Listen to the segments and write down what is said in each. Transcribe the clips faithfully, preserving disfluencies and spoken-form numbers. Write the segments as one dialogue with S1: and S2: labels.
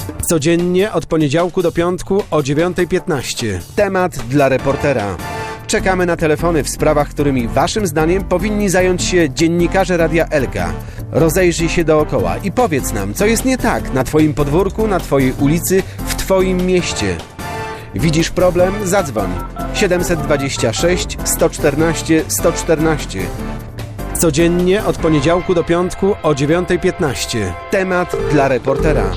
S1: Codziennie od poniedziałku do piątku o dziewiąta piętnaście. Temat dla reportera. Czekamy na telefony w sprawach, którymi waszym zdaniem powinni zająć się dziennikarze Radia Elka. Rozejrzyj się dookoła i powiedz nam, co jest nie tak na twoim podwórku, na twojej ulicy, w twoim mieście. Widzisz problem? Zadzwoń. siedem dwa sześć, sto czternaście, sto czternaście. Codziennie od poniedziałku do piątku o dziewiąta piętnaście. Temat dla reportera.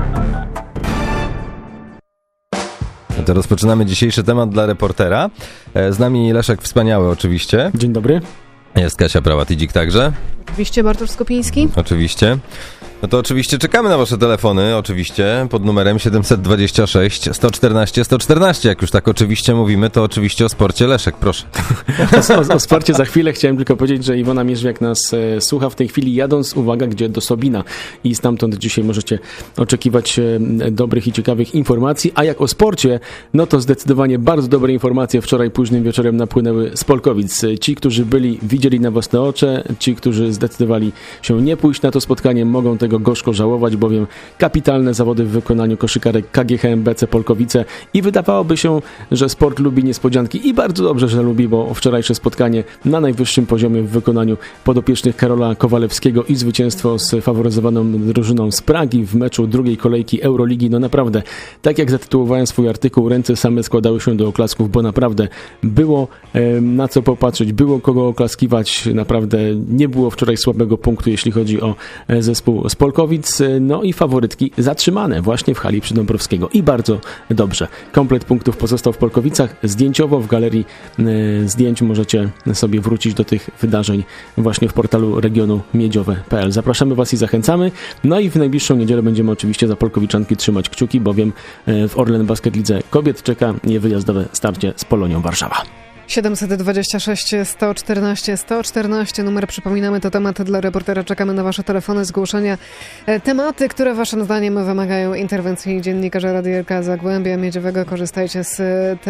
S2: To rozpoczynamy dzisiejszy temat dla reportera. Z nami Leszek Wspaniały oczywiście.
S3: Dzień dobry.
S2: Jest Kasia Prałat-Idzik także.
S4: Oczywiście Bartosz Skopiński.
S2: Oczywiście. No to oczywiście czekamy na wasze telefony, oczywiście, pod numerem siedem dwa sześć, sto czternaście, sto czternaście. Jak już tak oczywiście mówimy, to oczywiście o sporcie. Leszek, proszę.
S3: O, o, o sporcie za chwilę. Chciałem tylko powiedzieć, że Iwona Mierzwiak nas e, słucha w tej chwili, jadąc, uwaga, gdzie? Do Sobina. I stamtąd dzisiaj możecie oczekiwać e, dobrych i ciekawych informacji. A jak o sporcie, no to zdecydowanie bardzo dobre informacje wczoraj późnym wieczorem napłynęły z Polkowic. Ci, którzy byli, widzieli na własne oczy, ci, którzy zdecydowali się nie pójść na to spotkanie, mogą tego gorzko żałować, bowiem kapitalne zawody w wykonaniu koszykarek K G H M B C Polkowice i wydawałoby się, że sport lubi niespodzianki i bardzo dobrze, że lubi, bo wczorajsze spotkanie na najwyższym poziomie w wykonaniu podopiecznych Karola Kowalewskiego i zwycięstwo z faworyzowaną drużyną z Pragi w meczu drugiej kolejki Euroligi. No naprawdę, tak jak zatytułowałem swój artykuł, ręce same składały się do oklasków, bo naprawdę było e, na co popatrzeć, było kogo oklaskiwać, naprawdę nie było wczoraj słabego punktu, jeśli chodzi o e, zespół z Polkowic, no i faworytki zatrzymane właśnie w hali Przydąbrowskiego i bardzo dobrze. Komplet punktów pozostał w Polkowicach. Zdjęciowo w galerii e, zdjęć możecie sobie wrócić do tych wydarzeń właśnie w portalu regionu miedziowe kropka p l. Zapraszamy was i zachęcamy. No i w najbliższą niedzielę będziemy oczywiście za Polkowiczanki trzymać kciuki, bowiem e, w Orlen Basket Lidze Kobiet czeka niewyjazdowe starcie z Polonią Warszawa.
S4: siedem dwa sześć, sto czternaście, sto czternaście. Numer, przypominamy, to temat dla reportera. Czekamy na wasze telefony, zgłoszenia. Tematy, które waszym zdaniem wymagają interwencji dziennikarzy Radia Elka Zagłębia Miedziowego. Korzystajcie z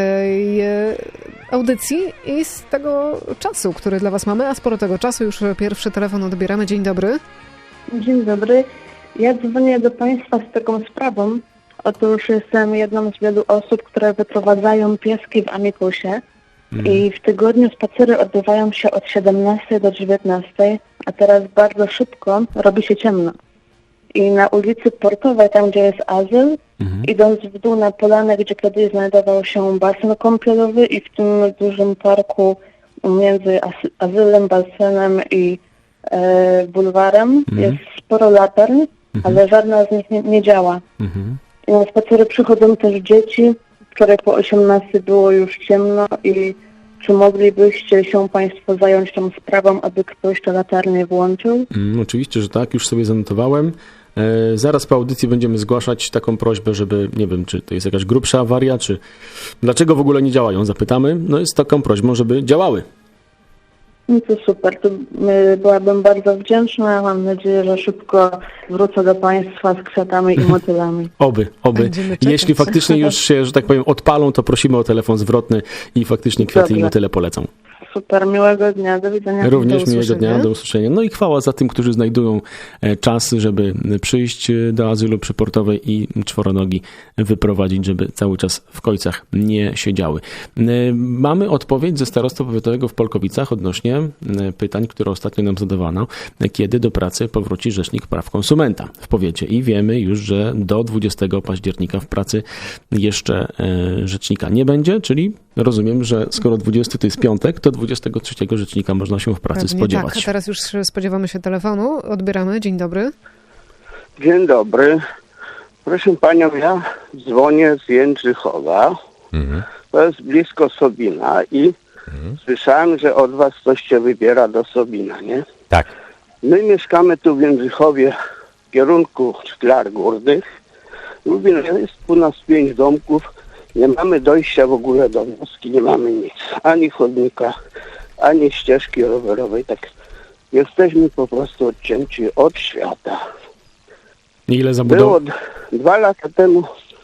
S4: tej audycji i z tego czasu, który dla was mamy, a sporo tego czasu. Już pierwszy telefon odbieramy. Dzień dobry.
S5: Dzień dobry. Ja dzwonię do państwa z taką sprawą. Otóż jestem jedną z wielu osób, które wyprowadzają pieski w Amikusie. I w tygodniu spacery odbywają się od siedemnastej do dziewiętnastej, a teraz bardzo szybko robi się ciemno. I na ulicy Portowej, tam gdzie jest azyl, mhm. idąc w dół na polanę, gdzie kiedyś znajdował się basen kąpielowy i w tym dużym parku między azylem, basenem i e, bulwarem mhm. jest sporo latern, mhm. ale żadna z nich nie, nie działa. Mhm. I na spacery przychodzą też dzieci. Wczoraj po osiemnastej było już ciemno i czy moglibyście się państwo zająć tą sprawą, aby ktoś te latarnie włączył?
S3: Mm, oczywiście, że tak, już sobie zanotowałem. E, zaraz po audycji będziemy zgłaszać taką prośbę, żeby, nie wiem, czy to jest jakaś grubsza awaria, czy dlaczego w ogóle nie działają, zapytamy. No jest taką prośbą, żeby działały.
S5: No to super, to y, byłabym bardzo wdzięczna. Mam nadzieję, że szybko wrócę do państwa z kwiatami i motylami.
S3: Oby, oby. Jeśli faktycznie już się, że tak powiem, odpalą, to prosimy o telefon zwrotny i faktycznie kwiaty Dobrze. I motyle polecą.
S5: Super, miłego dnia, do widzenia.
S3: Również do miłego dnia, do usłyszenia. No i chwała za tym, którzy znajdują czas, żeby przyjść do azylu przyportowej i czworonogi wyprowadzić, żeby cały czas w kojcach nie siedziały. Mamy odpowiedź ze starosty powiatowego w Polkowicach odnośnie pytań, które ostatnio nam zadawano, kiedy do pracy powróci Rzecznik Praw Konsumenta w powiecie. I wiemy już, że do dwudziestego października w pracy jeszcze rzecznika nie będzie, czyli rozumiem, że skoro dwudziesty to jest piątek, to dwudziestego trzeciego rzecznika można się w pracy
S4: Pewnie
S3: spodziewać.
S4: Tak, a teraz już spodziewamy się telefonu. Odbieramy. Dzień dobry.
S6: Dzień dobry. Proszę panią, ja dzwonię z Jędrzychowa. Mhm. To jest blisko Sobina i mhm. słyszałem, że od was coś się wybiera do Sobina, nie?
S2: Tak.
S6: My mieszkamy tu w Jędrzychowie w kierunku Szklar Górnych. Lubię, jest u nas pięć domków. Nie mamy dojścia w ogóle do wioski, nie mamy nic. Ani chodnika, ani ścieżki rowerowej. Tak jesteśmy po prostu odcięci od świata.
S3: Ile zabudow...
S6: Było dwa lata temu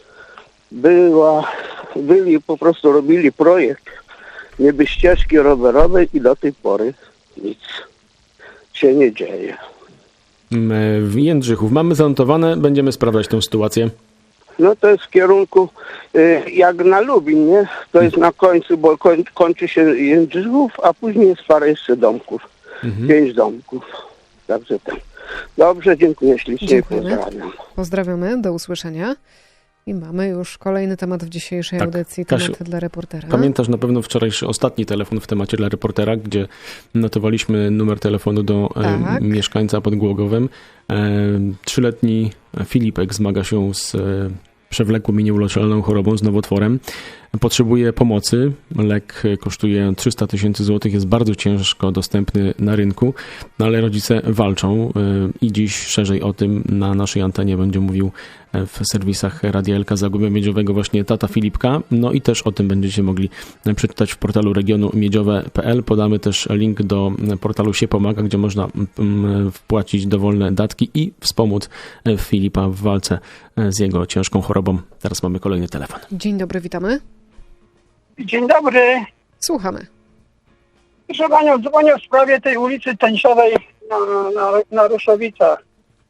S6: była, byli po prostu robili projekt niby ścieżki rowerowej i do tej pory nic się nie dzieje.
S3: W Jędrzychów mamy zanotowane, będziemy sprawdzać tę sytuację.
S6: No to jest w kierunku y, jak na Lubin, nie? To jest na końcu, bo koń, kończy się Jędrzejów, a później jest parę jeszcze domków.
S3: Mhm.
S6: Pięć domków. Także tak. Dobrze, dziękuję ślicznie.
S4: Dziękujemy.
S6: Pozdrawiam.
S4: Pozdrawiamy, do usłyszenia. I mamy już kolejny temat w dzisiejszej
S3: Tak,
S4: audycji,
S3: Kasiu,
S4: temat dla reportera.
S3: Pamiętasz na pewno wczorajszy ostatni telefon w temacie dla reportera, gdzie notowaliśmy numer telefonu do
S4: Tak.
S3: e, mieszkańca pod Głogowem. E, trzyletni Filipek zmaga się z e, przewlekłą i nieuleczalną chorobą, z nowotworem. Potrzebuje pomocy. Lek kosztuje trzysta tysięcy złotych, jest bardzo ciężko dostępny na rynku, no ale rodzice walczą i dziś szerzej o tym na naszej antenie będzie mówił w serwisach Radia Elka Zagłębia Miedziowego właśnie tata Filipka. No i też o tym będziecie mogli przeczytać w portalu regionu miedziowe kropka p l. Podamy też link do portalu Się Pomaga, gdzie można wpłacić dowolne datki i wspomóc Filipa w walce z jego ciężką chorobą. Teraz mamy kolejny telefon.
S4: Dzień dobry, witamy.
S7: Dzień dobry.
S4: Słuchamy.
S7: Proszę panią, dzwonię w sprawie tej ulicy Tęczowej na, na, na Ruszowicach.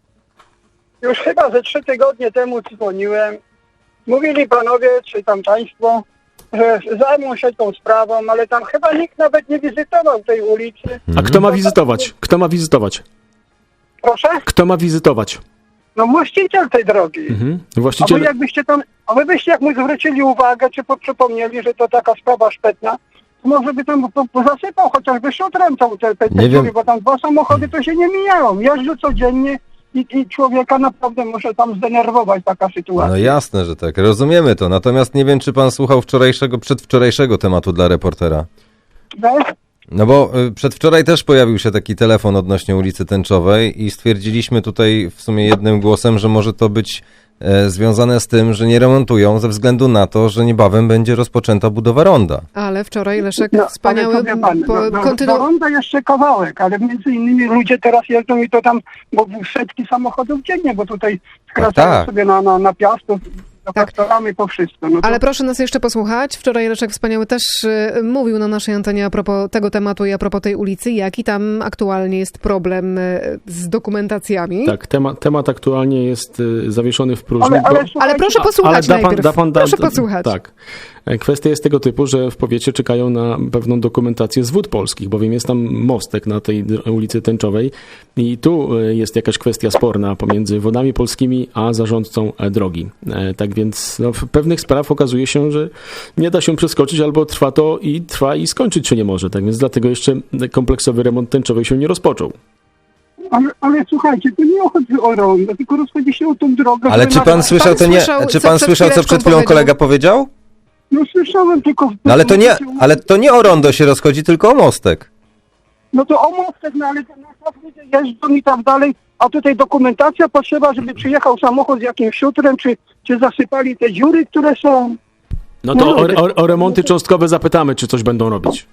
S7: Już chyba ze trzy tygodnie temu dzwoniłem. Mówili panowie, czy tam państwo, że zajmą się tą sprawą, ale tam chyba nikt nawet nie wizytował tej ulicy.
S3: A kto ma wizytować? Kto ma wizytować?
S7: Proszę?
S3: Kto ma wizytować?
S7: No właściciel tej drogi.
S3: Mhm.
S7: A wy
S3: Właściciel...
S7: jakbyście tam, a wy byście jak mu zwrócili uwagę, czy po- przypomnieli, że to taka sprawa szpetna, to może by tam po- po- zasypał chociażby szutrem tą te, te, te
S2: Nie
S7: dziury,
S2: wiem.
S7: bo tam dwa samochody to się nie mijają. Jeżdżą codziennie i, i człowieka naprawdę może tam zdenerwować taka sytuacja.
S2: No jasne, że tak, rozumiemy to. Natomiast nie wiem, czy pan słuchał wczorajszego, przedwczorajszego tematu dla reportera.
S7: Wiesz?
S2: No bo y, przedwczoraj też pojawił się taki telefon odnośnie ulicy Tęczowej i stwierdziliśmy tutaj w sumie jednym głosem, że może to być e, związane z tym, że nie remontują ze względu na to, że niebawem będzie rozpoczęta budowa ronda.
S4: Ale wczoraj Leszek
S7: No,
S4: wspaniały
S7: ale to wie pan,
S4: po,
S7: no, no,
S4: kontynu-
S7: do ronda jeszcze kawałek, ale między innymi ludzie teraz jeżdżą i to tam, bo setki samochodów dziennie, bo tutaj skracają
S2: tak.
S7: sobie na, na, na Piastów,
S4: Tak.
S7: traktorami po wszystko. No to...
S4: Ale proszę nas jeszcze posłuchać. Wczoraj Leszek Wspaniały też y, mówił na naszej antenie a propos tego tematu i a propos tej ulicy, jaki tam aktualnie jest problem y, z dokumentacjami.
S3: Tak, temat, temat aktualnie jest y, zawieszony w próżni.
S7: Ale, ale,
S3: bo-
S4: Ale
S7: słuchajcie,
S4: proszę posłuchać
S3: ale da pan,
S4: najpierw.
S3: da pan, da,
S4: proszę
S3: da-
S4: posłuchać.
S3: Tak. E, Kwestia jest tego typu, że w powiecie czekają na pewną dokumentację z Wód Polskich, bowiem jest tam mostek na tej dr- ulicy Tęczowej i tu e, jest jakaś kwestia sporna pomiędzy Wodami Polskimi a zarządcą e, drogi. E, Tak więc no, w pewnych spraw okazuje się, że nie da się przeskoczyć albo trwa to i trwa i skończyć się nie może. Tak więc dlatego jeszcze kompleksowy remont Tęczowej się nie rozpoczął.
S7: Ale, ale słuchajcie, to nie chodzi o rondo, tylko rozchodzi się o tą drogę.
S2: Ale
S7: która
S2: czy pan
S7: na-
S2: słyszał, to nie,
S4: słyszał,
S2: czy
S4: co
S2: pan
S4: przed
S2: słyszał, co
S4: chwileczką
S2: przed chwilą
S4: powiedział?
S2: kolega powiedział?
S7: No słyszałem tylko...
S2: No ale to nie, ale to nie o rondo się rozchodzi, tylko o mostek.
S7: No to o mostek, no ale to na przykład ludzie jeżdżą i tak dalej, a tutaj dokumentacja potrzeba, żeby przyjechał samochód z jakimś szutrem, czy, czy zasypali te dziury, które są...
S3: No to
S7: No,
S3: o, o, o remonty cząstkowe zapytamy, czy coś będą robić.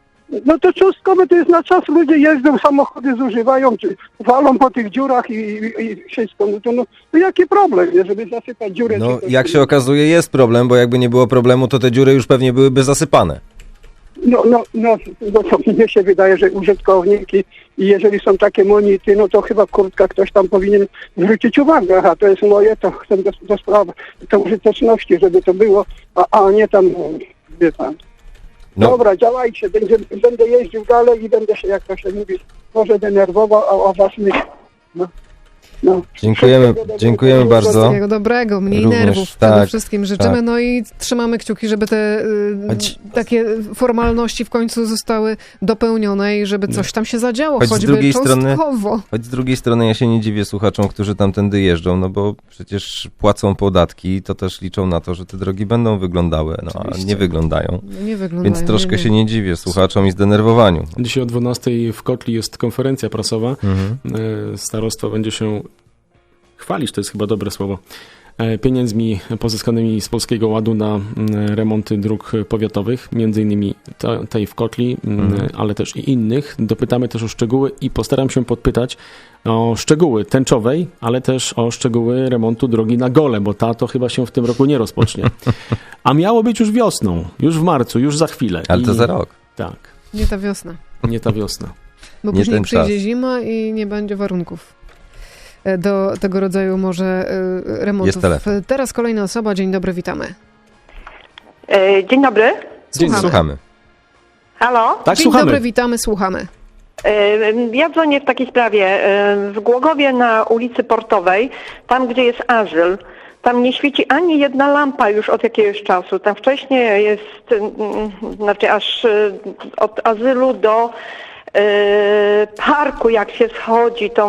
S7: No to cząstkowe to jest na czas, ludzie jeżdżą, samochody zużywają, czy walą po tych dziurach i, i, i wszystko. No to, no, to jaki problem, nie, żeby zasypać dziurę?
S2: No
S7: czy coś?
S2: jak się okazuje jest problem, bo jakby nie było problemu, to te dziury już pewnie byłyby zasypane.
S7: No, no, no, no to mnie się wydaje, że użytkowniki i jeżeli są takie monity, no to chyba kurtka ktoś tam powinien zwrócić uwagę, a to jest moje, to chcę do, do sprawy, do użyteczności, żeby to było, a, a nie tam, no, wie pan.
S2: No.
S7: Dobra, działajcie, będzie, będę jeździł dalej i będę się, jak to się mówi, może denerwował, a o was myśleć. No, no.
S2: Dziękujemy,
S7: Wszystkiego dobrego.
S2: dziękujemy bardzo.
S4: Wszystkiego dobrego, mniej
S2: Również,
S4: nerwów przede
S2: tak,
S4: wszystkim życzymy.
S2: tak.
S4: No i trzymamy kciuki, żeby te y,
S2: Choć-
S4: takie formalności w końcu zostały dopełnione i żeby coś tam się zadziało,
S2: Choć z
S4: choćby
S2: drugiej strony-
S4: cząstkowo.
S2: Choć z drugiej strony ja się nie dziwię słuchaczom, którzy tamtędy jeżdżą, no bo przecież płacą podatki, to też liczą na to, że te drogi będą wyglądały, no a
S4: Oczywiście.
S2: nie wyglądają.
S4: No nie wyglądają.
S2: Więc troszkę
S4: nie,
S2: się nie dziwię słuchaczom i zdenerwowaniu.
S3: Dzisiaj o dwunastej w Kotli jest konferencja prasowa.
S2: Mhm.
S3: E, Starostwo będzie się chwalić, to jest chyba dobre słowo, e, pieniędzmi pozyskanymi z Polskiego Ładu na mm, remonty dróg powiatowych, między innymi te- tej w Kotli, mm,
S2: Mhm.
S3: ale też i innych. Dopytamy też o szczegóły i postaram się podpytać o szczegóły Tęczowej, ale też o szczegóły remontu drogi na Gole, bo ta to chyba się w tym roku nie rozpocznie. A miało być już wiosną, już w marcu, już za chwilę.
S2: Ale to
S3: I-
S2: za rok.
S3: Tak,
S4: Nie ta wiosna.
S3: nie ta wiosna.
S4: Bo
S2: Nie
S4: później
S2: ten
S4: przyjdzie
S2: czas.
S4: zima i nie będzie warunków. do tego rodzaju może y, remontów.
S2: Jest telefon.
S4: Teraz kolejna osoba. Dzień dobry, witamy.
S8: E, Dzień dobry.
S2: Dzień,
S4: Słuchamy.
S2: słuchamy.
S8: Halo?
S3: Tak,
S4: Dzień
S3: słuchamy.
S4: dobry, witamy, słuchamy.
S8: E, Ja dzwonię w takiej sprawie. E, W Głogowie na ulicy Portowej, tam gdzie jest azyl, tam nie świeci ani jedna lampa już od jakiegoś czasu. Tam wcześniej jest, mm, znaczy aż e, od azylu do e, parku, jak się schodzi tą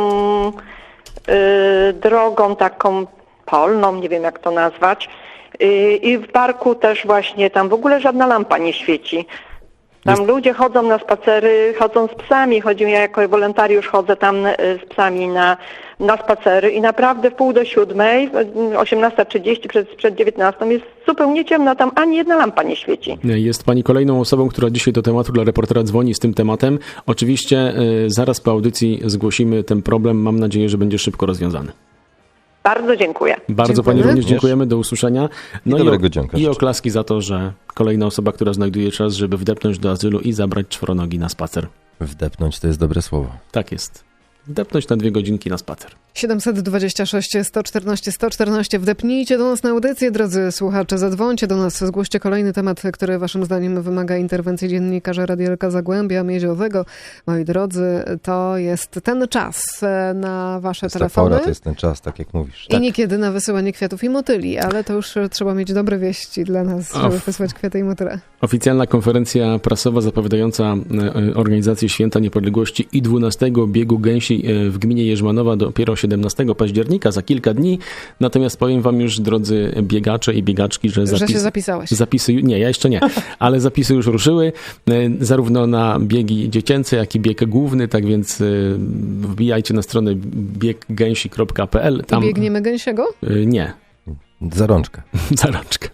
S8: e, drogą taką polną, nie wiem jak to nazwać. E, I w parku też właśnie, tam w ogóle żadna lampa nie świeci. Tam
S3: Jest-
S8: ludzie chodzą na spacery, chodzą z psami. Chodzi, ja jako wolontariusz chodzę tam e, z psami na, na spacery i naprawdę w pół do siódmej, osiemnasta trzydzieści przed, przed dziewiętnastą jest zupełnie ciemno, tam ani jedna lampa nie świeci.
S3: Jest pani kolejną osobą, która dzisiaj do tematu dla reportera dzwoni z tym tematem. Oczywiście y, zaraz po audycji zgłosimy ten problem. Mam nadzieję, że będzie szybko rozwiązany.
S8: Bardzo dziękuję.
S3: Bardzo
S4: Dziękujemy.
S3: pani również
S2: Również.
S3: dziękujemy. Do usłyszenia. No
S2: I dobrego
S3: o-
S2: dzionka
S3: I
S2: życzę.
S3: oklaski za to, że kolejna osoba, która znajduje czas, żeby wdepnąć do azylu i zabrać czworonogi na spacer.
S2: Wdepnąć to jest dobre słowo.
S3: Tak jest. Wdepnąć na dwie godzinki na spacer.
S4: siedemset dwadzieścia sześć sto czternaście sto czternaście. Wdepnijcie do nas na audycję, drodzy słuchacze. Zadzwońcie do nas, zgłoście kolejny temat, który waszym zdaniem wymaga interwencji dziennikarza Radia Elka Zagłębia Miedziowego. Moi drodzy, to jest ten czas e, na wasze
S2: To jest ta
S4: telefony.
S2: pora, to jest ten czas, tak jak mówisz.
S4: I niekiedy na wysyłanie kwiatów i motyli, ale to już e, trzeba mieć dobre wieści dla nas, żeby
S3: Of.
S4: wysłać kwiaty i motyle.
S3: Oficjalna konferencja prasowa zapowiadająca e, organizację Święta Niepodległości i dwunastego biegu gęsi e, w gminie Jerzmanowa dopiero siedemnastego października, za kilka dni. Natomiast powiem wam już, drodzy biegacze i biegaczki, że,
S4: Że
S3: zapis,
S4: się zapisałeś.
S3: zapisy, nie, ja jeszcze nie, ale zapisy już ruszyły, e, zarówno na biegi dziecięce, jak i bieg główny, tak więc e, wbijajcie na stronę bieg gęsi kropka p l.
S4: I biegniemy gęsiego?
S3: e, Nie,
S2: Za rączkę,
S3: za rączkę.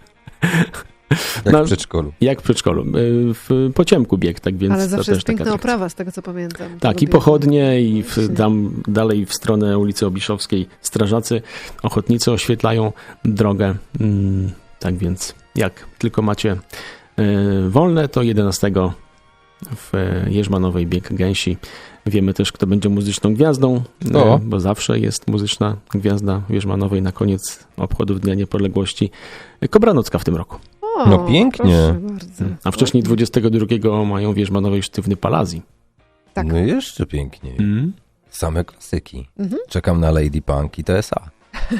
S2: jak
S3: No,
S2: w przedszkolu.
S3: Jak w przedszkolu. E, W pociemku bieg, tak więc
S4: Ale
S3: to
S4: zawsze
S3: też
S4: jest
S3: taka
S4: piękna
S3: atrakcja.
S4: oprawa, z tego co pamiętam.
S3: Tak,
S4: Tego
S3: i
S4: biegu.
S3: pochodnie, i w,
S4: Właśnie.
S3: tam dalej w stronę ulicy Obiszowskiej strażacy, ochotnicy oświetlają drogę. Mm, tak więc jak tylko macie e, wolne, to jedenastego w e, Jerzmanowej bieg gęsi. Wiemy też, kto będzie muzyczną gwiazdą, e,
S2: O.
S3: bo zawsze jest muzyczna gwiazda w Jerzmanowej na koniec obchodów Dnia Niepodległości. Kobranocka w tym roku.
S4: O,
S2: No pięknie.
S4: Proszę bardzo.
S3: A wcześniej dwudziestego drugiego mają w Jerzmanowej sztywny Palazji.
S4: Tak.
S2: No jeszcze piękniej.
S3: Mm.
S2: Same klasyki.
S4: Mhm.
S2: Czekam na Lady Punk i T S A.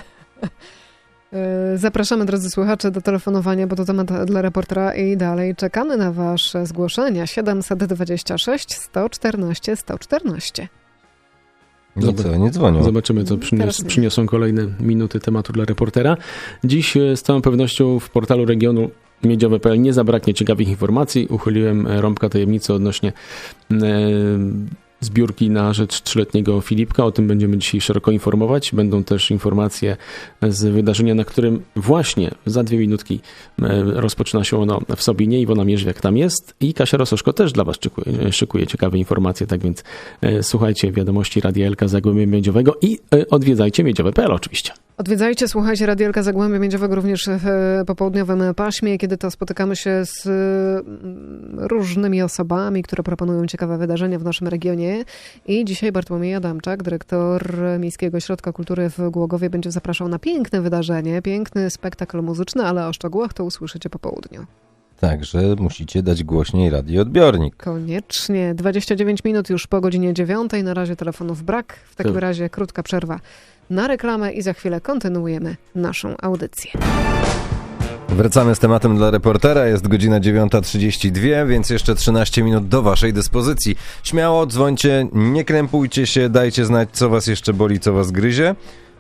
S4: E, Zapraszamy, drodzy słuchacze, do telefonowania, bo to temat dla reportera i dalej czekamy na wasze zgłoszenia. siedemset dwadzieścia sześć sto czternaście sto czternaście.
S2: Nic, nie dzwonią.
S3: Zobaczymy, co przynios,
S4: Teraz nie.
S3: przyniosą kolejne minuty tematu dla reportera. Dziś e, z całą pewnością w portalu regionu miedziowe kropka p l nie zabraknie ciekawych informacji. Uchyliłem e, rąbka tajemnicy odnośnie e, zbiórki na rzecz trzyletniego Filipka. O tym będziemy dzisiaj szeroko informować. Będą też informacje z wydarzenia, na którym właśnie za dwie minutki e, rozpoczyna się ono w Sobinie. Iwona Mierzwiak tam jest i Kasia Rososzko też dla was szykuje, szykuje ciekawe informacje. Tak więc e, słuchajcie wiadomości Radia Elka Zagłębia Miedziowego i e, odwiedzajcie miedziowe kropka p l oczywiście.
S4: Odwiedzajcie, słuchajcie Radia Elka Zagłębia Miedziowego również w e, popołudniowym paśmie, kiedy to spotykamy się z mm, różnymi osobami, które proponują ciekawe wydarzenia w naszym regionie. I dzisiaj Bartłomiej Adamczak, dyrektor Miejskiego Ośrodka Kultury w Głogowie, będzie zapraszał na piękne wydarzenie, piękny spektakl muzyczny, ale o szczegółach to usłyszycie po południu.
S2: Także musicie dać głośniej radioodbiornik.
S4: Koniecznie. dwadzieścia dziewięć minut już po godzinie dziewiątej. Na razie telefonów brak. W takim
S3: To-
S4: razie krótka przerwa na reklamę i za chwilę kontynuujemy naszą audycję.
S2: Wracamy z tematem dla reportera. Jest godzina dziewiąta trzydzieści dwa, więc jeszcze trzynaście minut do waszej dyspozycji. Śmiało dzwońcie, nie krępujcie się, dajcie znać, co was jeszcze boli, co was gryzie.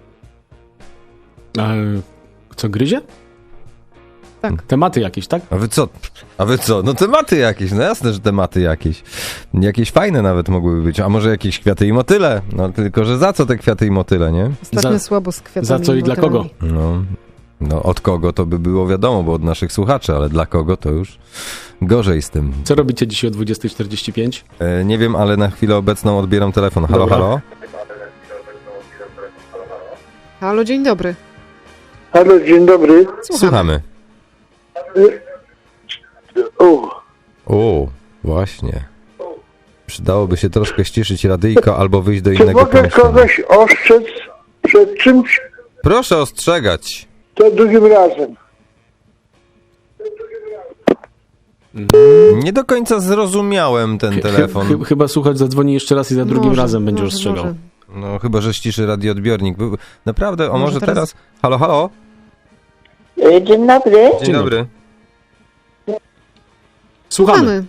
S3: A co, gryzie?
S4: Tak.
S3: Tematy jakieś, tak?
S2: A wy co? A wy co? No tematy jakieś, no jasne, że tematy jakieś. Jakieś fajne nawet mogłyby być, a może jakieś kwiaty i motyle. No tylko, że za co te kwiaty i motyle, nie?
S4: Ostatnio
S3: Za-
S4: słabo z kwiatami.
S3: za co i dla
S4: motylami.
S3: kogo?
S2: No, no od kogo to by było wiadomo, bo od naszych słuchaczy, ale dla kogo to już gorzej z tym.
S3: Co robicie dzisiaj o dwudziesta czterdzieści pięć?
S2: E, nie wiem, ale na chwilę obecną odbieram telefon. Halo,
S3: Dobra.
S2: halo?
S4: Halo, dzień dobry.
S7: Halo, dzień dobry.
S2: Słuchamy.
S7: O,
S2: O, właśnie. Przydałoby się troszkę ściszyć radyjko albo wyjść do
S7: czy
S2: innego
S7: mogę
S2: pomieszczenia.
S7: kogoś ostrzec przed czymś,
S2: Proszę ostrzegać.
S7: to drugim razem.
S2: Nie do końca zrozumiałem ten
S3: Chy-
S2: telefon.
S3: chy- chyba słuchacz zadzwoni jeszcze raz i za drugim
S4: Może,
S3: razem będzie
S4: może,
S3: ostrzegał.
S4: może.
S2: No chyba, że ściszy radioodbiornik. Był- Naprawdę, o
S4: Może
S2: może teraz...
S4: teraz-
S2: Halo, halo?
S9: Dzień dobry.
S2: Dzień dobry.
S3: Słuchamy.
S4: Mamy.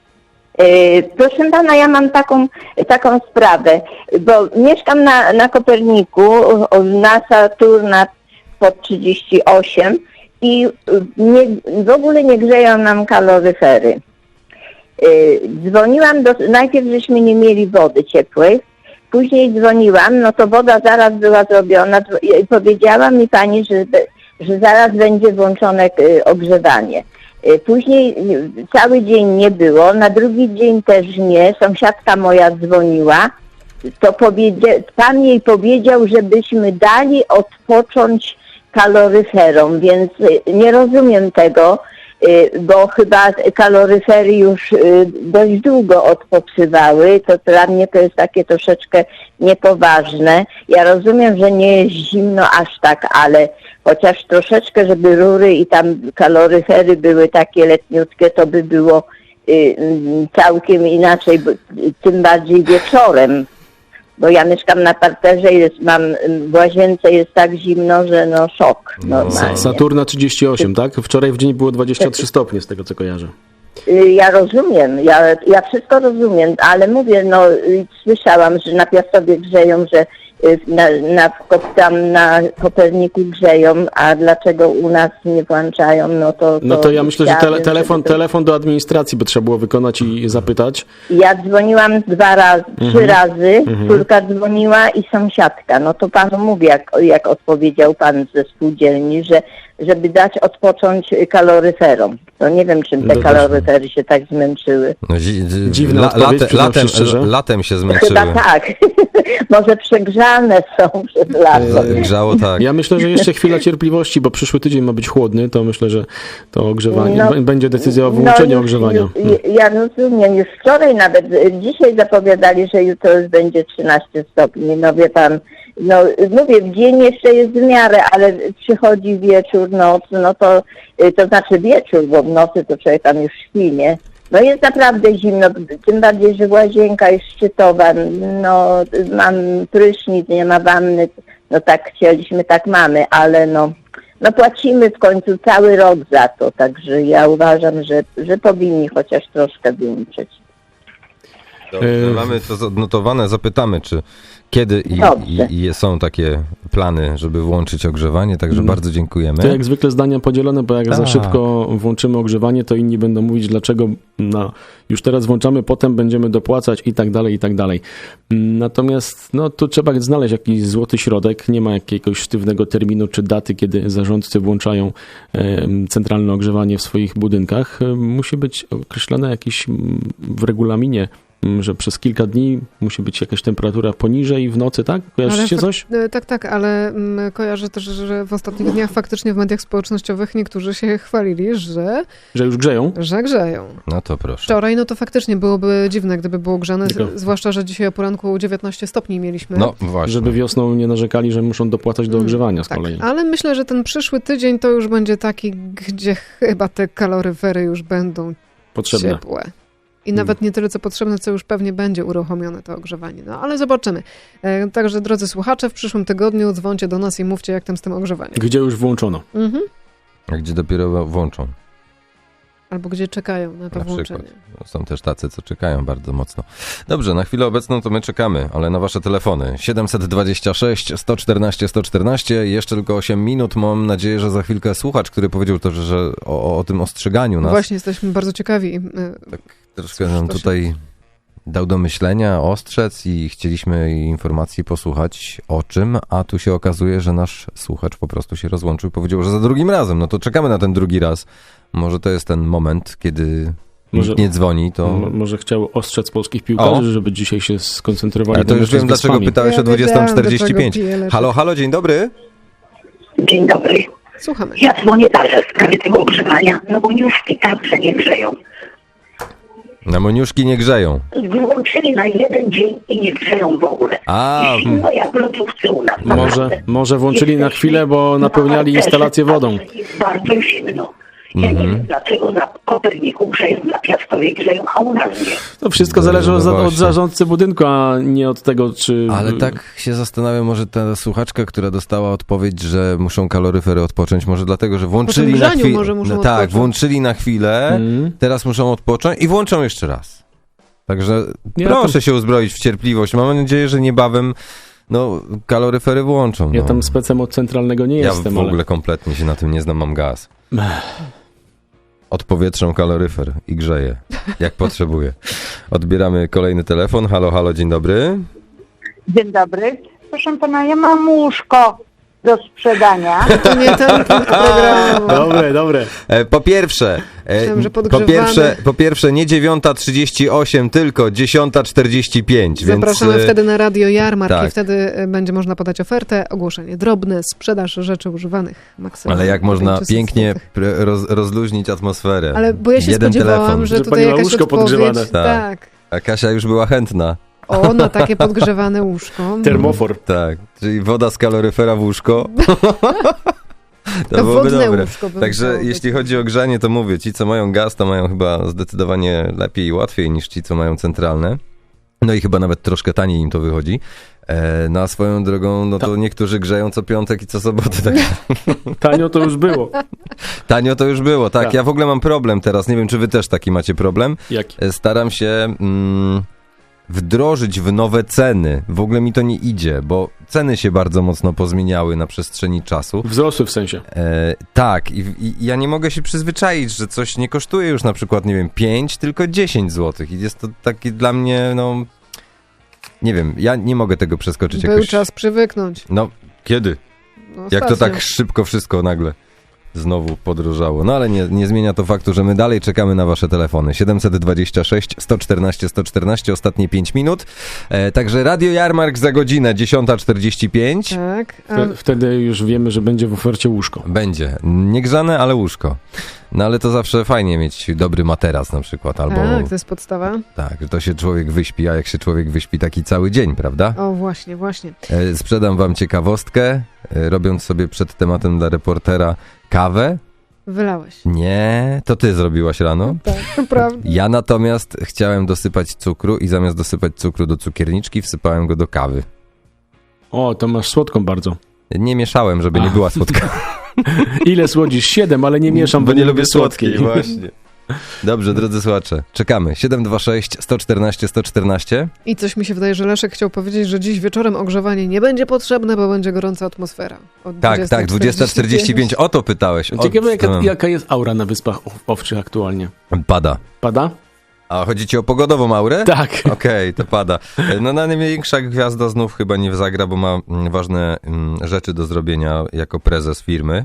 S9: E, Proszę pana, ja mam taką, taką sprawę, bo mieszkam na, na Koperniku, o, na Saturna pod trzydzieści osiem i nie, w ogóle nie grzeją nam kaloryfery. E, Dzwoniłam, do, najpierw żeśmy nie mieli wody ciepłej, później dzwoniłam, no to woda zaraz była zrobiona i powiedziała mi pani, że, że zaraz będzie włączone e, ogrzewanie. Później cały dzień nie było, na drugi dzień też nie, sąsiadka moja dzwoniła, to powiedzia- pan jej powiedział, żebyśmy dali odpocząć kaloryferom, więc nie rozumiem tego, bo chyba kaloryfery już dość długo odpoczywały, to dla mnie to jest takie troszeczkę niepoważne. Ja rozumiem, że nie jest zimno aż tak, ale chociaż troszeczkę, żeby rury i tam kaloryfery były takie letniutkie, to by było y, całkiem inaczej, bo, tym bardziej wieczorem. Bo ja mieszkam na parterze i jest, mam w łazience jest tak zimno, że no szok normalnie.
S3: Saturna trzydzieści osiem, tak? Wczoraj w dzień było dwadzieścia trzy stopnie, z tego co kojarzę.
S9: Y, Ja rozumiem, ja, ja wszystko rozumiem, ale mówię, no y, słyszałam, że na Piastowie grzeją, że y, na, na, tam na Koperniku grzeją, a dlaczego u nas nie włączają, no to...
S3: No to ja myślę, że tele,
S9: chciałabym,
S3: telefon,
S9: żeby to-
S3: telefon do administracji by trzeba było wykonać i zapytać.
S9: Ja dzwoniłam dwa razy, trzy razy, córka dzwoniła i sąsiadka. No to panu mówię, jak, jak odpowiedział pan ze spółdzielni, że żeby dać odpocząć kaloryferom. To nie wiem, czym te
S3: No to-
S9: kaloryfery się tak zmęczyły.
S2: No, dzi- dzi-
S3: Dziwna
S2: la,
S3: odpowiedź,
S2: late,
S3: przyznam
S2: latem,
S3: się szczerze.
S2: latem się zmęczyły.
S9: Chyba tak. Może przegrzane są przez lato.
S2: Grzało tak.
S3: Ja myślę, że jeszcze chwila cierpliwości, bo przyszły tydzień ma być chłodny, to myślę, że to ogrzewanie,
S9: No,
S3: b- będzie decyzja o wyłączeniu
S9: już-
S3: ogrzewania.
S9: już- Ja rozumiem, już wczoraj nawet, dzisiaj zapowiadali, że jutro już będzie trzynaście stopni, no wie pan, no mówię, w dzień jeszcze jest w miarę, ale przychodzi wieczór, noc, no to, to znaczy wieczór, bo w nocy to człowiek tam już śpi, nie? No jest naprawdę zimno, tym bardziej, że łazienka jest szczytowa, no mam prysznic, nie ma wanny, no tak chcieliśmy, tak mamy, ale no, no płacimy w końcu cały rok za to, także ja uważam, że, że powinni chociaż troszkę wyłączyć.
S2: Dobrze,
S3: E,
S2: mamy to odnotowane, zapytamy, czy kiedy i,
S9: Dobrze.
S2: i, i są takie plany, żeby włączyć ogrzewanie, także bardzo dziękujemy.
S3: To jak zwykle zdania podzielone, bo jak za
S2: Tak.
S3: szybko włączymy ogrzewanie, to inni będą mówić, dlaczego no, już teraz włączamy, potem będziemy dopłacać i tak dalej, i tak dalej. Natomiast no, tu trzeba znaleźć jakiś złoty środek. Nie ma jakiegoś sztywnego terminu czy daty, kiedy zarządcy włączają e, centralne ogrzewanie w swoich budynkach. E, musi być określone jakieś mm, w regulaminie, mm, że przez kilka dni musi być jakaś temperatura poniżej w nocy, tak? Kojarzycie
S4: fak-
S3: coś?
S4: e, Tak, tak, ale mm, kojarzę też, że w ostatnich dniach faktycznie w mediach społecznościowych niektórzy się chwalili, że,
S3: Że już grzeją?
S4: że grzeją.
S2: No to proszę.
S4: Wczoraj no to faktycznie byłoby dziwne, gdyby było grzane, z-
S3: Tylko-
S4: zwłaszcza, że dzisiaj o poranku dziewiętnaście stopni mieliśmy.
S2: No właśnie.
S3: Żeby wiosną nie narzekali, że muszą dopłacać do ogrzewania z
S4: Tak,
S3: kolei.
S4: ale myślę, że ten przyszły tydzień to już będzie taki, gdzie chyba te kaloryfery już będą
S3: Potrzebne.
S4: ciepłe. I nawet nie tyle co potrzebne, co już pewnie będzie uruchomione to ogrzewanie. No ale zobaczymy. E, także drodzy słuchacze, w przyszłym tygodniu dzwońcie do nas i mówcie, jak tam z tym ogrzewaniem.
S3: Gdzie już włączono.
S4: Mhm.
S2: A gdzie dopiero włączą.
S4: Albo gdzie czekają na to
S2: Na
S4: włączenie.
S2: przykład. Są też tacy, co czekają bardzo mocno. Dobrze, na chwilę obecną to my czekamy, ale na wasze telefony. siedemset dwadzieścia sześć sto czternaście sto czternaście, jeszcze tylko osiem minut. Mam nadzieję, że za chwilkę słuchacz, który powiedział to, że, że o, o tym ostrzeganiu nas,
S4: Właśnie jesteśmy bardzo ciekawi. e,
S2: troszkę nam
S4: to się-
S2: tutaj dał do myślenia, ostrzec i chcieliśmy informacji posłuchać o czym, a tu się okazuje, że nasz słuchacz po prostu się rozłączył i powiedział, że za drugim razem. No to czekamy na ten drugi raz. Może to jest ten moment, kiedy
S3: Może-
S2: nikt nie dzwoni, to...
S3: M- może chciał ostrzec polskich piłkarzy,
S2: O.
S3: żeby dzisiaj się skoncentrowali
S2: Ale to
S3: na
S2: już
S3: meczu z
S2: wiem, dlaczego
S3: Wyspami.
S2: pytałeś
S4: Ja
S2: o dwudziesta
S4: wiedziałam, do
S2: czterdzieści pięć.
S4: czego pije lepiej.
S2: Halo, halo, dzień dobry.
S10: Dzień dobry.
S4: Słuchamy.
S10: Ja dzwonię dalej w sprawie tego ogrzewania, no bo już i tak, że nie grzeją.
S2: Na Moniuszki nie grzeją.
S10: Wyłączyli na jeden dzień i nie grzeją w ogóle.
S2: A,
S10: I zimno jak w lodówce u nas.
S3: Może, może włączyli na chwilę, bo napełniali instalację wodą.
S10: Jest bardzo zimno. Ja nie wiem, dlaczego na Koperniku grzeją, na Piastowie grzeją, a u nas nie.
S3: To wszystko
S2: No,
S3: zależy
S2: no
S3: od, od
S2: właśnie.
S3: zarządcy budynku, a nie od tego, czy...
S2: Ale tak się zastanawiam, może ta słuchaczka, która dostała odpowiedź, że muszą kaloryfery odpocząć, może dlatego, że włączyli
S4: tym
S2: na
S4: grzaniu
S2: chwilę.
S4: może muszą
S2: No, tak,
S4: odpocząć.
S2: włączyli na chwilę,
S3: Mm.
S2: teraz muszą odpocząć i włączą jeszcze raz. Także
S3: Ja
S2: proszę
S3: tam-
S2: się uzbroić w cierpliwość. Mam nadzieję, że niebawem no, kaloryfery włączą.
S3: Ja
S2: no.
S3: tam specem od centralnego nie
S2: Ja
S3: jestem,
S2: w
S3: ale...
S2: ogóle kompletnie się na tym nie znam, mam gaz.
S3: Ech.
S2: Odpowietrzą kaloryfer i grzeję, jak potrzebuję. Odbieramy kolejny telefon. Halo, halo, dzień dobry.
S11: Dzień dobry. Proszę pana, ja mam łóżko do sprzedania.
S4: To nie ten punkt programu.
S3: Dobre, dobre.
S2: E, po pierwsze, e,
S4: Myślałem, że
S2: po
S4: podgrzewamy.
S2: pierwsze, po pierwsze nie dziewiąta trzydzieści osiem, tylko dziesiąta czterdzieści pięć.
S4: Zapraszamy
S2: więc, e,
S4: wtedy na Radio Jarmark
S2: tak.
S4: i wtedy y, będzie można podać ofertę, ogłoszenie drobne, sprzedaż rzeczy używanych maksymalnie.
S2: Ale jak można
S4: trzysta
S2: pięknie
S4: złotych.
S2: pr- roz, rozluźnić atmosferę.
S4: Ale bo ja się
S2: Jeden
S4: spodziewałam,
S2: telefon.
S4: że
S3: Że
S4: tutaj
S3: pani ma
S4: jakaś
S3: łóżko
S4: odpowiedź.
S3: podgrzewane.
S2: Tak.
S4: Tak.
S2: A Kasia już była chętna.
S4: O, na takie podgrzewane łóżko.
S3: Termofor.
S2: Tak, czyli woda z kaloryfera w łóżko. To,
S4: To
S2: byłoby
S4: wodne
S2: dobre.
S4: łóżko by
S2: Także
S4: musiało być.
S2: jeśli chodzi o grzanie, to mówię, ci co mają gaz, to mają chyba zdecydowanie lepiej i łatwiej niż ci co mają centralne. No i chyba nawet troszkę taniej im to wychodzi. E, na swoją drogą, no to niektórzy grzeją co piątek i co sobotę. Tak.
S3: Tanio to już było.
S2: Tanio to już było, tak.
S3: Tak.
S2: Ja w ogóle mam problem teraz, nie wiem czy wy też taki macie problem.
S3: Jaki?
S2: E, Staram się mm, wdrożyć w nowe ceny. W ogóle mi to nie idzie, bo ceny się bardzo mocno pozmieniały na przestrzeni czasu.
S3: Wzrosły w sensie.
S2: E, tak, i, i ja nie mogę się przyzwyczaić, że coś nie kosztuje już na przykład, nie wiem, pięć, tylko dziesięć złotych. I jest to taki dla mnie, no, nie wiem, ja nie mogę tego przeskoczyć
S4: Był
S2: jakoś.
S4: czas przywyknąć.
S2: No, kiedy?
S4: No,
S2: Jak to
S4: ostatnio.
S2: tak szybko wszystko nagle znowu podrożało. No ale nie, nie zmienia to faktu, że my dalej czekamy na wasze telefony. siedemset dwadzieścia sześć, sto czternaście, sto czternaście, ostatnie pięć minut. E, także Radio Jarmark za godzinę dziesiąta czterdzieści pięć.
S4: Tak. A
S3: Wte- Wtedy już wiemy, że będzie w ofercie łóżko.
S2: Będzie. Niegrzane, ale łóżko. No ale to zawsze fajnie mieć dobry materac na przykład, albo
S4: tak, to jest podstawa.
S2: tak, że to się człowiek wyśpi, a jak się człowiek wyśpi taki cały dzień, prawda?
S4: O, właśnie, właśnie.
S2: E, sprzedam wam ciekawostkę, e, robiąc sobie przed tematem dla reportera kawę.
S4: Wylałeś.
S2: Nie, to ty zrobiłaś rano.
S4: Tak, to prawda.
S2: Ja natomiast chciałem dosypać cukru i zamiast dosypać cukru do cukierniczki, wsypałem go do kawy.
S3: O, to masz słodką bardzo.
S2: Nie mieszałem, żeby nie
S3: A.
S2: była słodka.
S3: Ile słodzisz? Siedem, ale nie mieszam,
S2: Bo nie lubię słodkiej, właśnie. Dobrze, drodzy słuchacze, czekamy. siedem dwa sześć, sto czternaście, sto czternaście.
S4: I coś mi się wydaje, że Leszek chciał powiedzieć, że dziś wieczorem ogrzewanie nie będzie potrzebne, bo będzie gorąca atmosfera. Od
S2: Tak, tak, dwudziesta czterdzieści pięć. O to pytałeś. O,
S3: Ciekawe, jaka,
S2: no.
S3: jaka jest aura na Wyspach Ow- Owczych aktualnie.
S2: Pada.
S3: Pada?
S2: A chodzi ci o pogodową aurę?
S3: Tak.
S2: Okej, to pada. No największa gwiazda znów chyba nie zagra, bo ma mm, ważne mm, rzeczy do zrobienia jako prezes firmy.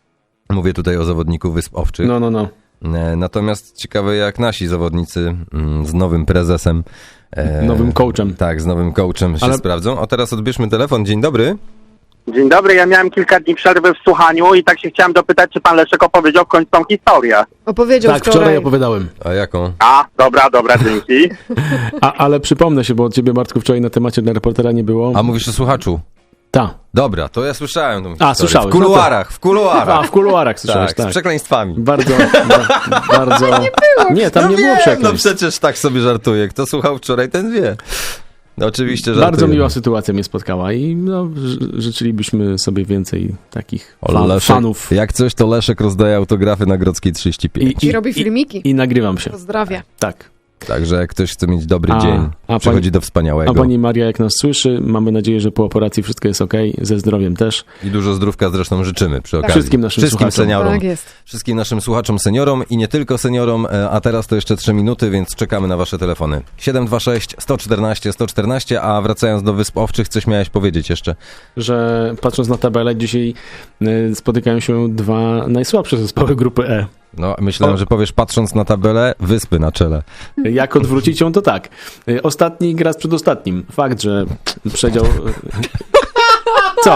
S2: Mówię tutaj o zawodniku Wysp Owczych.
S3: No, no, no.
S2: E, Natomiast ciekawe jak nasi zawodnicy mm, z nowym prezesem. e,
S3: Nowym coachem.
S2: Tak, z nowym coachem się
S3: Ale-
S2: sprawdzą. O, teraz odbierzmy telefon. Dzień dobry.
S12: Dzień dobry, ja miałem kilka dni przerwy w słuchaniu i tak się chciałem dopytać, czy pan Leszek opowiedział w końcu tą historię.
S4: Opowiedział
S3: Tak, wczoraj
S4: wczoraj.
S3: opowiadałem.
S2: A jaką?
S12: A, dobra, dobra, dzięki.
S3: A, ale przypomnę się, bo od ciebie, Bartku, wczoraj na temacie dla reportera nie było.
S2: A mówisz o słuchaczu?
S3: Ta.
S2: Dobra, to ja słyszałem tą
S3: A,
S2: historię.
S3: słyszałeś,
S2: W kuluarach, w kuluarach.
S3: A, w kuluarach słyszałeś,
S2: tak,
S3: tak.
S2: z przekleństwami.
S3: Bardzo, ba, bardzo... Nie było. Nie, tam
S2: no
S3: nie
S2: wiem,
S3: było przekleństw.
S2: No przecież tak sobie żartuję. Kto słuchał wczoraj, ten wie. No oczywiście żartuję.
S3: Bardzo miła sytuacja mnie spotkała i no, ży- życzylibyśmy sobie więcej takich
S2: O,
S3: fa-
S2: Leszek,
S3: fanów.
S2: Jak coś, to Leszek rozdaje autografy na Grodzkiej trzydzieści pięć.
S4: I robi filmiki.
S3: I, i nagrywam się.
S4: Pozdrawia.
S3: Tak.
S2: Także jak ktoś chce mieć dobry
S3: A-
S2: dzień,
S3: a
S2: przechodzi
S3: pani-
S2: do wspaniałego.
S3: A pani Maria, jak nas słyszy, mamy nadzieję, że po operacji wszystko jest ok, ze zdrowiem też.
S2: I dużo zdrówka zresztą życzymy przy okazji.
S3: Wszystkim naszym
S2: Wszystkim
S3: słuchaczom.
S2: seniorom.
S4: Tak jest.
S2: Wszystkim naszym słuchaczom, seniorom i nie tylko seniorom, e, a teraz to jeszcze trzy minuty, więc czekamy na wasze telefony. siedem dwa sześć, sto czternaście, sto czternaście, a wracając do Wysp Owczych, coś miałeś powiedzieć jeszcze.
S3: Że patrząc na tabelę, dzisiaj y, spotykają się dwa najsłabsze zespoły grupy E.
S2: No, myślałem,
S3: O.
S2: że powiesz, patrząc na tabelę, Wyspy na czele.
S3: Jak odwrócić ją, to tak. Y, Ostatni gra z przedostatnim. Fakt, że przedział... y, Co?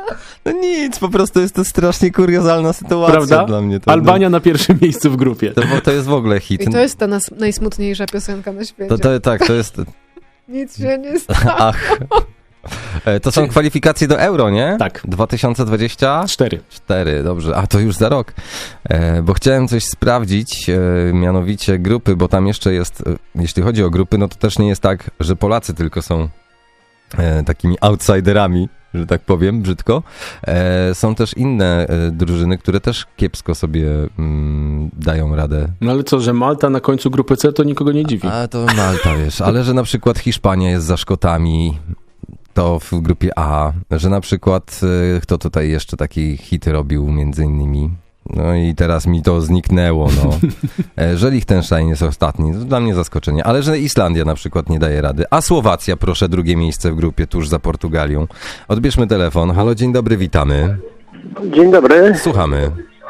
S2: No nic, po prostu jest to strasznie kuriozalna sytuacja
S3: Prawda?
S2: dla mnie. To,
S3: Albania na pierwszym miejscu w grupie.
S2: To, to jest w ogóle hit.
S4: I to jest ta nas, najsmutniejsza piosenka na świecie.
S2: To, to, tak, to jest...
S4: Nic się nie stało.
S2: Ach. E, To są kwalifikacje do Euro, nie?
S3: Tak.
S2: dwa tysiące dwudziesty
S3: Cztery.
S2: cztery, dobrze. A to już za rok. E, bo chciałem coś sprawdzić, e, mianowicie grupy, bo tam jeszcze jest, e, jeśli chodzi o grupy, no to też nie jest tak, że Polacy tylko są e, takimi outsiderami, że tak powiem, brzydko. E, są też inne e, drużyny, które też kiepsko sobie mm, dają radę.
S3: No ale co, że Malta na końcu grupy C to nikogo nie dziwi.
S2: A to Malta, wiesz, ale że na przykład Hiszpania jest za Szkotami, to w grupie A, że na przykład y, kto tutaj jeszcze taki hit robił między innymi. No i teraz mi to zniknęło, no. E, że Liechtenstein jest ostatni, to dla mnie zaskoczenie. Ale że Islandia na przykład nie daje rady. A Słowacja, proszę, drugie miejsce w grupie tuż za Portugalią. Odbierzmy telefon. Halo, dzień dobry, witamy.
S6: Dzień dobry.
S2: Słuchamy.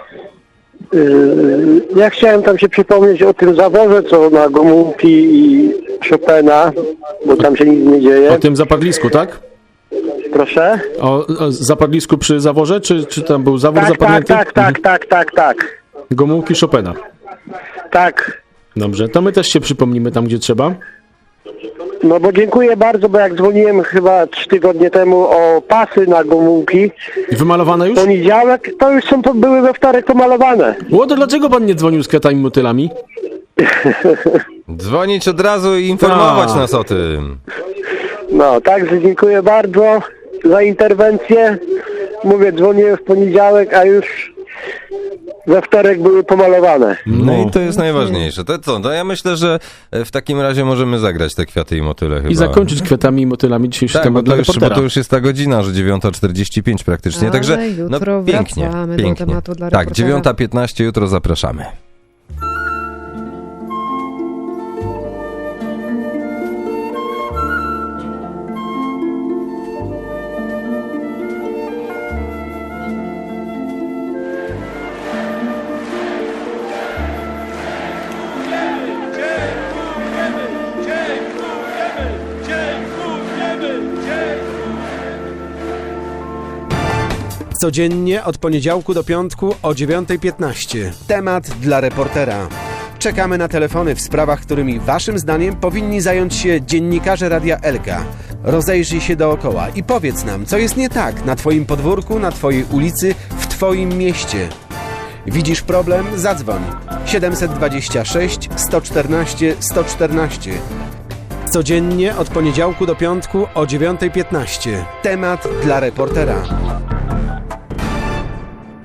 S6: Yy, Ja chciałem tam się przypomnieć o tym zaworze, co na Gomułki i Chopina, bo tam się nic nie dzieje.
S3: O tym zapadlisku, tak?
S6: Proszę?
S3: O, o zapadlisku przy zaworze, czy, czy tam był zawór
S6: Tak, tak,
S3: zapadnięty?
S6: tak, tak, tak, tak, tak.
S3: Gomułki Chopina.
S6: Tak.
S3: Dobrze, to my też się przypomnimy tam, gdzie trzeba.
S6: No bo dziękuję bardzo, bo jak dzwoniłem chyba trzy tygodnie temu o pasy na Gomułki,
S3: I wymalowane już?
S6: poniedziałek, to już są, były we wtorek pomalowane.
S3: O, to dlaczego pan nie dzwonił z kwiatami motylami?
S2: Dzwonić od razu i informować
S3: A.
S2: nas o tym.
S6: No, także dziękuję bardzo za interwencję. Mówię, dzwoniłem w poniedziałek, a już we wtorek były pomalowane.
S2: No,
S3: No.
S2: i to jest najważniejsze. To co? No ja myślę, że w takim razie możemy zagrać te kwiaty i motyle chyba.
S3: I zakończyć kwiatami i motylami dzisiejszy
S2: Tak, bo
S3: temat
S2: to,
S3: dla
S2: już, bo
S3: reportera.
S2: to już jest ta godzina, że dziewiąta czterdzieści pięć praktycznie, także
S4: Ale
S2: no
S4: jutro
S2: pięknie,
S4: wracamy do
S2: pięknie.
S4: tematu dla
S2: Tak,
S4: reportera.
S2: dziewiąta piętnaście jutro zapraszamy.
S1: Codziennie od poniedziałku do piątku o dziewiąta piętnaście. Temat dla reportera. Czekamy na telefony w sprawach, którymi waszym zdaniem powinni zająć się dziennikarze Radia Elka. Rozejrzyj się dookoła i powiedz nam, co jest nie tak na twoim podwórku, na twojej ulicy, w twoim mieście. Widzisz problem? Zadzwoń. siedemset dwadzieścia sześć sto czternaście sto czternaście. Codziennie od poniedziałku do piątku o dziewiąta piętnaście. Temat dla reportera.